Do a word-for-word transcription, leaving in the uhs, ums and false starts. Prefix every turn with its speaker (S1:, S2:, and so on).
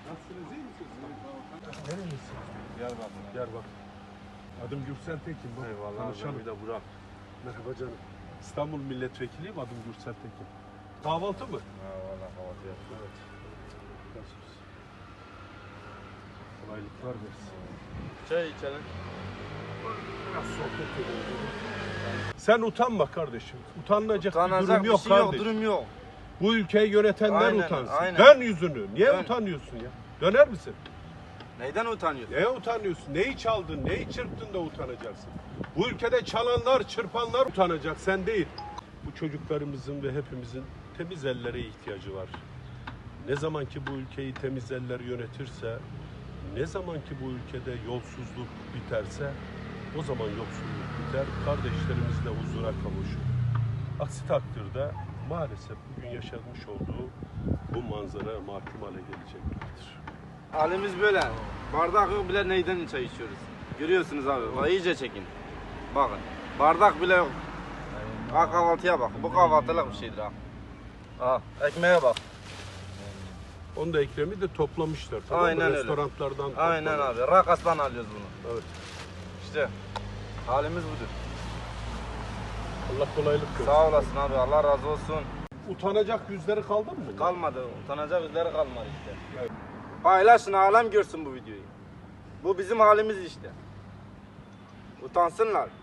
S1: Nasılsınız, iyi misiniz? Nerelisin?
S2: Diyarbakır.
S1: Diyarbakır. Adım Gürsel Tekin. Bak,
S2: Eyvallah.
S1: tanışalım.
S2: Bir de Burak.
S1: Merhaba canım. İstanbul milletvekiliyim, adım Gürsel Tekin. Kahvaltı mı?
S2: Ha valla kahvaltı yaptım.
S1: Evet. Nasılsınız? Kolaylıklar versin.
S2: Çay içelim.
S1: Biraz sohbet edelim. Sen utanma kardeşim. Utanılacak bir
S2: Utanacak
S1: durum
S2: bir
S1: yok
S2: şey yok,
S1: kardeşim.
S2: durum yok.
S1: Bu ülkeyi yönetenler
S2: Aynen,
S1: utansın.
S2: aynen.
S1: Dön yüzünü. Niye
S2: Dön.
S1: utanıyorsun ya? Döner misin?
S2: Neyden utanıyorsun?
S1: Neye utanıyorsun? Neyi çaldın? Neyi çırptın da utanacaksın? Bu ülkede çalanlar, çırpanlar utanacak, sen değil. Bu çocuklarımızın ve hepimizin temiz ellere ihtiyacı var. Ne zaman ki bu ülkeyi temiz eller yönetirse, ne zaman ki bu ülkede yolsuzluk biterse, o zaman yoksulluk biter, kardeşlerimiz de huzura kavuşur. Aksi takdirde maalesef bugün yaşanmış olduğu bu manzara mahkum hale gelecektir.
S2: Halimiz böyle. Bardak yok bile neyden çay içiyoruz. Görüyorsunuz abi. Bak iyice çekin. Bakın. Bardak bile yok. Ha kahvaltıya bak. Bu kahvaltılık bir şeydir ha. Ha ekmeğe bak.
S1: Onu da Ekrem'i de toplamışlar. Tamam mı?
S2: Aynen öyle.
S1: Restoranlardan
S2: Aynen
S1: toplamışlar.
S2: abi. Rakas'tan alıyoruz bunu.
S1: Evet.
S2: İşte halimiz budur.
S1: Allah kolaylık versin.
S2: Sağ olasın abi. Allah razı olsun.
S1: Utanacak yüzleri kaldı mı?
S2: Kalmadı. Utanacak yüzleri kalmadı işte.
S1: Evet.
S2: Paylaşın, alem görsün bu videoyu. Bu bizim halimiz işte. Utansınlar.